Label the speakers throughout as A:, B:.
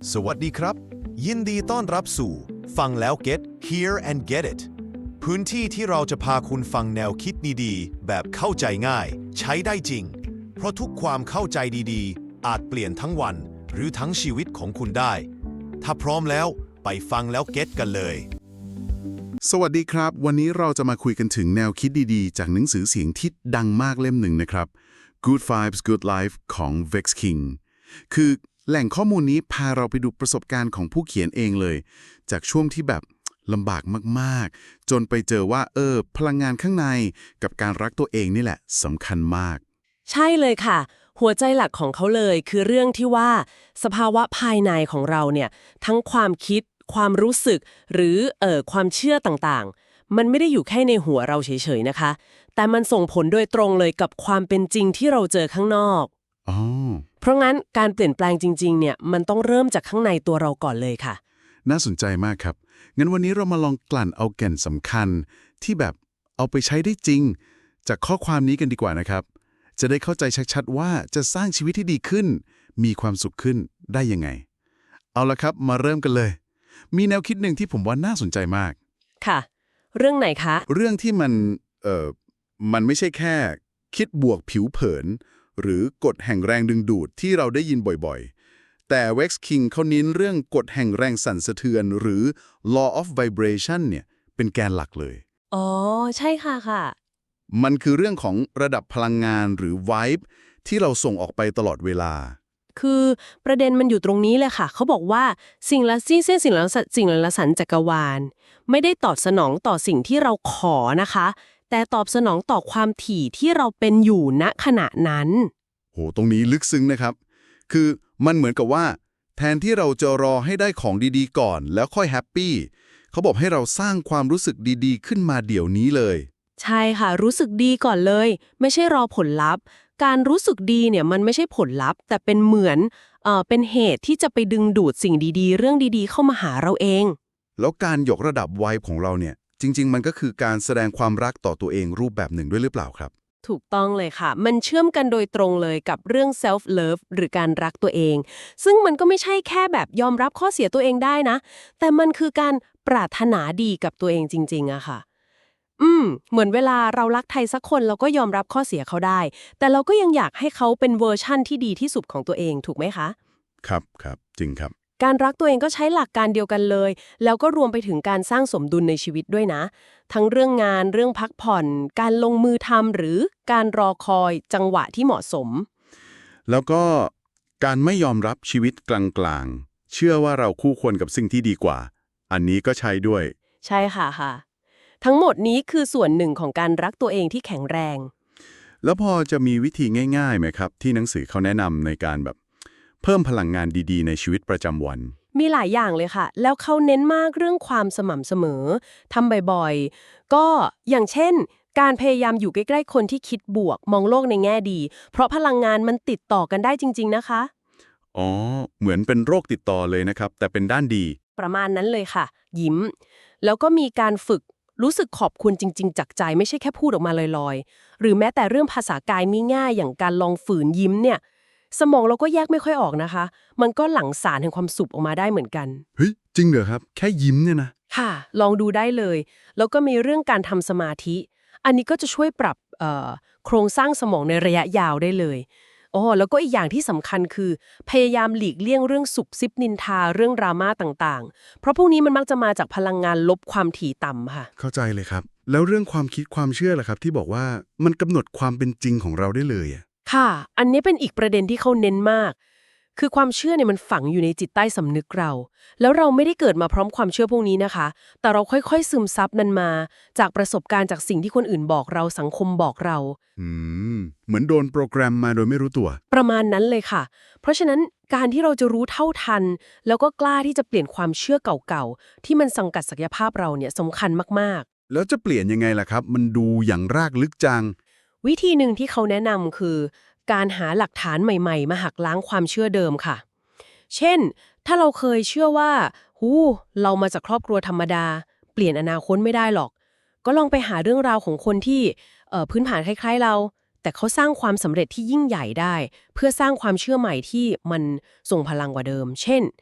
A: สวัสดีครับยินดีต้อนรับสู่ฟังแล้ว Get Hear and Get It พื้นที่ที่เราจะพาคุณฟังแนวคิดดีๆแบบเข้าใจง่ายใช้ได้จริงเพราะทุกความเข้าใจดีๆอาจเปลี่ยนทั้งวันหรือทั้งชีวิตของคุณได้ถ้าพร้อมแล้วไปฟังแล้ว Get กันเลย
B: สวัสดีครับวันนี้เราจะมาคุยกันถึงแนวคิดดีๆจากหนังสือเสียงที่ดังมากเล่มหนึ่งนะครับ Good Vibes Good Life ของ Vex King คือแหล่งข้อมูลนี้พาเราไปดูประสบการณ์ของผู้เขียนเองเลยจากช่วงที่แบบลำบากมากๆจนไปเจอว่าพลังงานข้างในกับการรักตัวเองนี่แหละสำคัญมาก
C: ใช่เลยค่ะหัวใจหลักของเขาเลยคือเรื่องที่ว่าสภาวะภายในของเราเนี่ยทั้งความคิดความรู้สึกหรือความเชื่อต่างๆมันไม่ได้อยู่แค่ในหัวเราเฉยๆนะคะแต่มันส่งผลโดยตรงเลยกับความเป็นจริงที่เราเจอข้างนอกเพราะงั้นการเปลี่ยนแปลงจริงๆเนี่ยมันต้องเริ่มจากข้างในตัวเราก่อนเลยค่ะ
B: น่าสนใจมากครับงั้นวันนี้เรามาลองกลั่นเอาแก่นสำคัญที่แบบเอาไปใช้ได้จริงจากข้อความนี้กันดีกว่านะครับจะได้เข้าใจชัดๆว่าจะสร้างชีวิตที่ดีขึ้นมีความสุขขึ้นได้ยังไงเอาละครับมาเริ่มกันเลยมีแนวคิดหนึ่งที่ผมว่าน่าสนใจมาก
C: ค่ะเรื่องไหนคะ
B: เรื่องที่มันไม่ใช่แค่คิดบวกผิวเผินหรือกฎแห่งแรงดึงดูดที่เราได้ยินบ่อยๆแต่ Vex King เขาเน้นเรื่องกฎแห่งแรงสั่นสะเทือนหรือ law of vibration เนี่ยเป็นแกนหลักเลย
C: อ๋อใช่ค่ะ
B: มันคือเรื่องของระดับพลังงานหรือ vibe ที่เราส่งออกไปตลอดเวลา
C: คือประเด็นมันอยู่ตรงนี้เลยค่ะเขาบอกว่าสิ่งละสันจักรวาลไม่ได้ตอบสนองต่อสิ่งที่เราขอนะคะแต่ตอบสนองต่อความถี่ที่เราเป็นอยู่ณขณะนั้น
B: โหตรงนี้ลึกซึ้งนะครับคือมันเหมือนกับว่าแทนที่เราจะรอให้ได้ของดีๆก่อนแล้วค่อยแฮปปี้เขาบอกให้เราสร้างความรู้สึกดีๆขึ้นมาเดี๋ยวนี้เลย
C: ใช่ค่ะรู้สึกดีก่อนเลยไม่ใช่รอผลลัพธ์การรู้สึกดีเนี่ยมันไม่ใช่ผลลัพธ์แต่เป็นเหมือนเป็นเหตุที่จะไปดึงดูดสิ่งดีๆเรื่องดีๆเข้ามาหาเราเอง
B: แล้วการยกระดับวัยของเราเนี่ยจริงๆมันก็คือการแสดงความรักต่อตัวเองรูปแบบหนึ่งด้วยหรือเปล่าครับ
C: ถูกต้องเลยค่ะมันเชื่อมกันโดยตรงเลยกับเรื่อง self love หรือการรักตัวเองซึ่งมันก็ไม่ใช่แค่แบบยอมรับข้อเสียตัวเองได้นะแต่มันคือการปรารถนาดีกับตัวเองจริงๆอะค่ะเหมือนเวลาเรารักใครสักคนเราก็ยอมรับข้อเสียเขาได้แต่เราก็ยังอยากให้เขาเป็นเวอร์ชั่นที่ดีที่สุดของตัวเองถูกไหมคะ
B: ครับจริงครับ
C: การรักตัวเองก็ใช้หลักการเดียวกันเลยแล้วก็รวมไปถึงการสร้างสมดุลในชีวิตด้วยนะทั้งเรื่องงานเรื่องพักผ่อนการลงมือทำหรือการรอคอยจังหวะที่เหมาะสม
B: แล้วก็การไม่ยอมรับชีวิตกลางๆเชื่อว่าเราคู่ควรกับสิ่งที่ดีกว่าอันนี้ก็ใช้ด้วย
C: ใช่ค่ะทั้งหมดนี้คือส่วนหนึ่งของการรักตัวเองที่แข็งแรง
B: แล้วพอจะมีวิธีง่ายๆไหมครับที่หนังสือเขาแนะนำในการแบบเพิ่มพลังงานดีๆในชีวิตประจำวัน
C: มีหลายอย่างเลยค่ะแล้วเขาเน้นมากเรื่องความสม่ำเสมอทำบ่อยๆก็อย่างเช่นการพยายามอยู่ใกล้ๆคนที่คิดบวกมองโลกในแง่ดีเพราะพลังงานมันติดต่อกันได้จริงๆนะคะ
B: อ๋อเหมือนเป็นโรคติดต่อเลยนะครับแต่เป็นด้านดี
C: ประมาณนั้นเลยค่ะยิ้มแล้วก็มีการฝึกรู้สึกขอบคุณจริงๆจากใจไม่ใช่แค่พูดออกมาลอยๆหรือแม้แต่เรื่องภาษากายง่ายๆอย่างการลองฝืนยิ้มเนี่ยสมองเราก็แยกไม่ค่อยออกนะคะมันก็หลั่งสารแห่งความสุขออกมาได้เหมือนกัน
B: เฮ้ยจริงเหรอครับแค่ยิ้มเนี่ยนะ
C: ค่ะลองดูได้เลยแล้วก็มีเรื่องการทำสมาธิอันนี้ก็จะช่วยปรับโครงสร้างสมองในระยะยาวได้เลยแล้วก็อีกอย่างที่สำคัญคือพยายามหลีกเลี่ยงเรื่องสุบซิบนินทาเรื่องดราม่าต่างๆเพราะพวกนี้มันมักจะมาจากพลังงานลบความถี่ต่ำค่ะ
B: เข้าใจเลยครับแล้วเรื่องความคิดความเชื่อล่ะครับที่บอกว่ามันกำหนดความเป็นจริงของเราได้เลยอ่ะ
C: ค่ะอันนี้เป็นอีกประเด็นที่เขาเน้นมากคือความเชื่อเนี่ยมันฝังอยู่ในจิตใต้สำนึกเราแล้วเราไม่ได้เกิดมาพร้อมความเชื่อพวกนี้นะคะแต่เราค่อยๆซึมซับมันมาจากประสบการณ์จากสิ่งที่คนอื่นบอกเราสังคมบอกเรา
B: เหมือนโดนโปรแกรมมาโดยไม่รู้ตัว
C: ประมาณนั้นเลยค่ะเพราะฉะนั้นการที่เราจะรู้เท่าทันแล้วก็กล้าที่จะเปลี่ยนความเชื่อเก่าๆที่มันสังกัดศักยภาพเราเนี่ยสำคัญมาก
B: ๆแล้วจะเปลี่ยนยังไงล่ะครับมันดูอย่างรากลึกจัง
C: วิธีหนึ่งที่เขาแนะนำคือการหาหลักฐานใหม่ๆมาหักล้างความเชื่อเดิมค่ะเช่นถ้าเราเคยเชื่อว่าเรามาจากครอบครัวธรรมดาเปลี่ยนอนาคตไม่ได้หรอกก็ลองไปหาเรื่องราวของคนที่พื้นฐานคล้ายๆเราแต่เขาสร้างความสำเร็จที่ยิ่งใหญ่ได้เพื่อสร้างความเชื่อใหม่ที่มันส่งพลังกว่าเดิมเช่น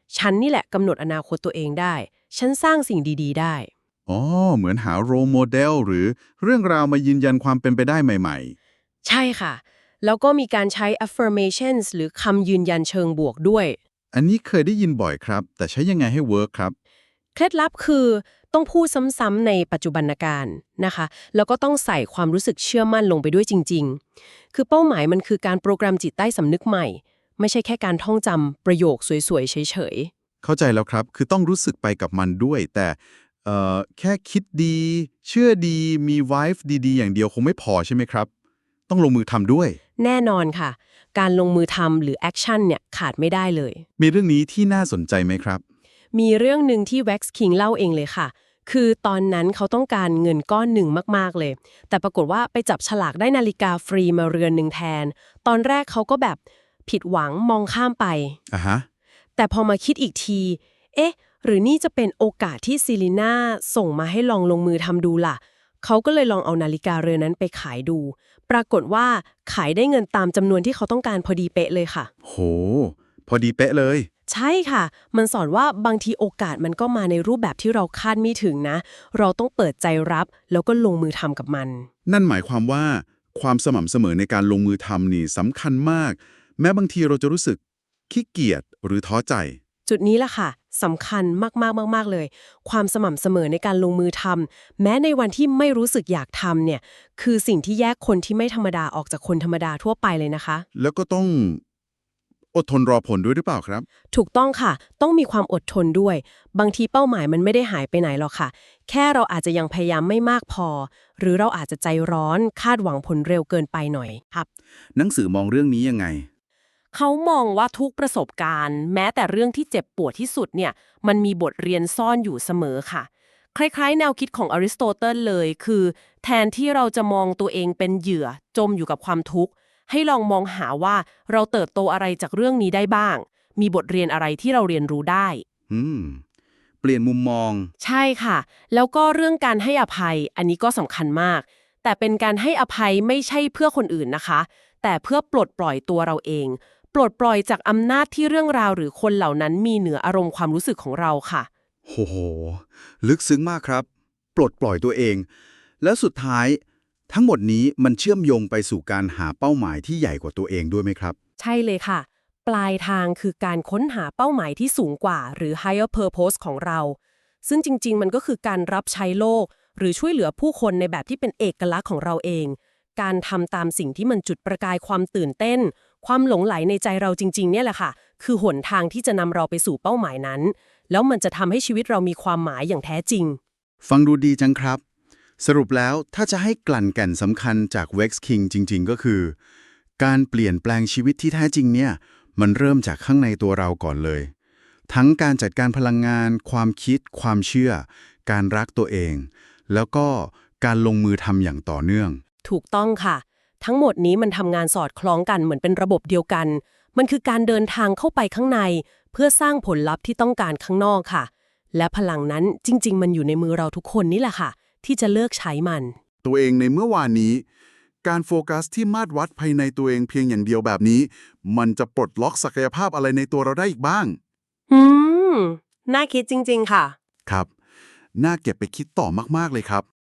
C: ฉันนี่แหละกำหนดอนาคตตัวเองได้ ฉันสร้างสิ่งดีๆได้
B: อ๋อเหมือนหาโรลโมเดลหรือเรื่องราวมายืนยันความเป็นไปได้ใหม่
C: ใช่ค่ะ แล้วก็มีการใช้ affirmations หรือคำยืนยันเชิงบวกด้วย
B: ๆ อันนี้เคยได้ยินบ่อยครับ แต่ใช้ยังไงให้เวิร์คครับ
C: เคล็ดลับคือต้องพูดซ้ำๆในปัจจุบันการนะคะ แล้วก็ต้องใส่ความรู้สึกเชื่อมั่นลงไปด้วยจริงๆ คือเป้าหมายมันคือการโปรแกรมจิตใต้สำนึกใหม่ ไม่ใช่แค่การท่องจำประโยคสวยๆเฉยๆ
B: เข้าใจแล้วครับ คือต้องรู้สึกไปกับมันด้วย แต่แค่คิดดี เชื่อดี มี vibe ดีๆ อย่างเดียวคงไม่พอใช่ไหมครับ ต้องลงมือทำด้วย
C: แน่นอนค่ะ การลงมือทำหรือแอคชั่นเนี่ยขาดไม่ได้เลย
B: มีเรื่องนี้ที่น่าสนใจไหมครับ
C: มีเรื่องหนึ่งที่ Wax King เล่าเองเลยค่ะ คือตอนนั้นเขาต้องการเงินก้อนหนึ่งมากๆเลย แต่ปรากฏว่าไปจับฉลากได้นาฬิกาฟรีมาเรือนหนึ่งแทน ตอนแรกเขาก็แบบผิดหวังมองข้ามไป
B: ฮะ
C: แต่พอมาคิดอีกที เอ๊ะ หรือนี่จะเป็นโอกาสที่ซิลิน่าส่งมาให้ลองลงมือทำดูล่ะ เขาก็เลยลองเอานาฬิกาเรือนนั้นไปขายดู ปรากฏว่าขายได้เงินตามจำนวนที่เขาต้องการพอดีเป๊ะเลยค่ะ
B: โห พอดีเป๊ะเลย
C: ใช่ค่ะ มันสอนว่าบางทีโอกาสมันก็มาในรูปแบบที่เราคาดไม่ถึงนะ เราต้องเปิดใจรับแล้วก็ลงมือทำกับมัน
B: นั่นหมายความว่าความสม่ำเสมอในการลงมือทำนี่สำคัญมาก แม้บางทีเราจะรู้สึกขี้เกียจหรือท้อใจ
C: จุดนี้แหละค่ะสำคัญมากๆๆๆเลย ความสม่ำเสมอในการลงมือทำแม้ในวันที่ไม่รู้สึกอยากทำเนี่ยคือสิ่งที่แยกคนที่ไม่ธรรมดาออกจากคนธรรมดาทั่วไปเลยนะคะ
B: แล้วก็ต้องอดทนรอผลด้วยหรือเปล่าครับ
C: ถูกต้องค่ะ ต้องมีความอดทนด้วย บางทีเป้าหมายมันไม่ได้หายไปไหนหรอกค่ะ แค่เราอาจจะยังพยายามไม่มากพอ หรือเราอาจจะใจร้อนคาดหวังผลเร็วเกินไปหน่อยครับ
B: หนังสือมองเรื่องนี้ยังไง
C: เขามองว่าทุกประสบการณ์แม้แต่เรื่องที่เจ็บปวดที่สุดเนี่ยมันมีบทเรียนซ่อนอยู่เสมอค่ะ คล้ายๆแนวคิดของอริสโตเติลเลยคือ แทนที่เราจะมองตัวเองเป็นเหยื่อจมอยู่กับความทุกข์ให้ลองมองหาว่าเราเติบโตอะไรจากเรื่องนี้ได้บ้าง มีบทเรียนอะไรที่เราเรียนรู้ได้
B: เปลี่ยนมุมมอง
C: ใช่ค่ะ แล้วก็เรื่องการให้อภัยอันนี้ก็สำคัญมาก แต่เป็นการให้อภัยไม่ใช่เพื่อคนอื่นนะคะ แต่เพื่อปลดปล่อยตัวเราเอง ปลดปล่อยจากอำนาจที่เรื่องราวหรือคนเหล่านั้นมีเหนืออารมณ์ความรู้สึกของเราค่ะ
B: โห ลึกซึ้งมากครับ ปลดปล่อยตัวเอง แล้วสุดท้ายทั้งหมดนี้มันเชื่อมโยงไปสู่การหาเป้าหมายที่ใหญ่กว่าตัวเองด้วยไหมครับ
C: ใช่เลยค่ะ ปลายทางคือการค้นหาเป้าหมายที่สูงกว่าหรือ higher purpose ของเรา ซึ่งจริงๆมันก็คือการรับใช้โลก หรือช่วยเหลือผู้คนในแบบที่เป็นเอกลักษณ์ของเราเอง การทำตามสิ่งที่มันจุดประกายความตื่นเต้น ความหลงไหลในใจเราจริงๆเนี่ยแหละค่ะ คือหนทางที่จะนำเราไปสู่เป้าหมายนั้น แล้วมันจะทำให้ชีวิตเรามีความหมายอย่างแท้จริง
B: ฟังดูดีจังครับ สรุปแล้วถ้าจะให้กลั่นแก่นสำคัญจาก Vex King จริงๆ ก็คือ การเปลี่ยนแปลงชีวิตที่แท้จริงเนี่ยมันเริ่มจากข้างในตัวเราก่อนเลย ทั้งการจัดการพลังงาน ความคิด ความเชื่อ การรักตัวเอง แล้วก็การลงมือทำอย่างต่อเนื่อง
C: ถูกต้องค่ะ ทั้งหมดนี้มันทำงานสอดคล้องกันเหมือนเป็นระบบเดียวกัน มันคือการเดินทางเข้าไปข้างใน เพื่อสร้างผลลัพธ์ที่ต้องการข้างนอกค่ะ และพลังนั้นจริงๆมันอยู่ในมือเราทุกคนนี่แหละค่ะ ที่จะเลือกใช้มัน
B: ตัวเองในเมื่อวานนี้ การโฟกัสที่มาตรวัดภายในตัวเองเพียงอย่างเดียวแบบนี้ มันจะปลดล็อกศักยภาพอะไรในตัวเราได้อีกบ้าง
C: อืม น่าคิดจริงๆค่ะ
B: ครับ น่าเก็บไปคิดต่อมากๆเลยครับ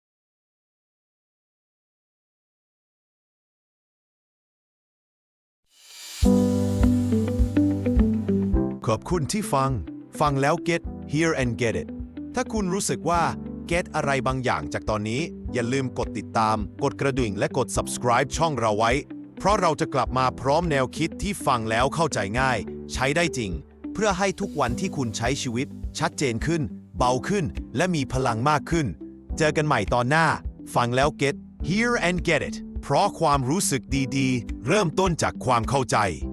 A: ขอบคุณที่ฟังแล้ว get hear and get it ถ้าคุณรู้สึกว่า get อะไรบางอย่างจากตอนนี้ อย่าลืมกดติดตาม กดกระดิ่งและกด subscribe ช่องเราไว้ เพราะเราจะกลับมาพร้อมแนวคิดที่ฟังแล้วเข้าใจง่าย ใช้ได้จริง เพื่อให้ทุกวันที่คุณใช้ชีวิต ชัดเจนขึ้น เบาขึ้น และมีพลังมากขึ้น เจอกันใหม่ตอนหน้า ฟังแล้ว get hear and get it เพราะความรู้สึกดีๆ เริ่มต้นจากความเข้าใจ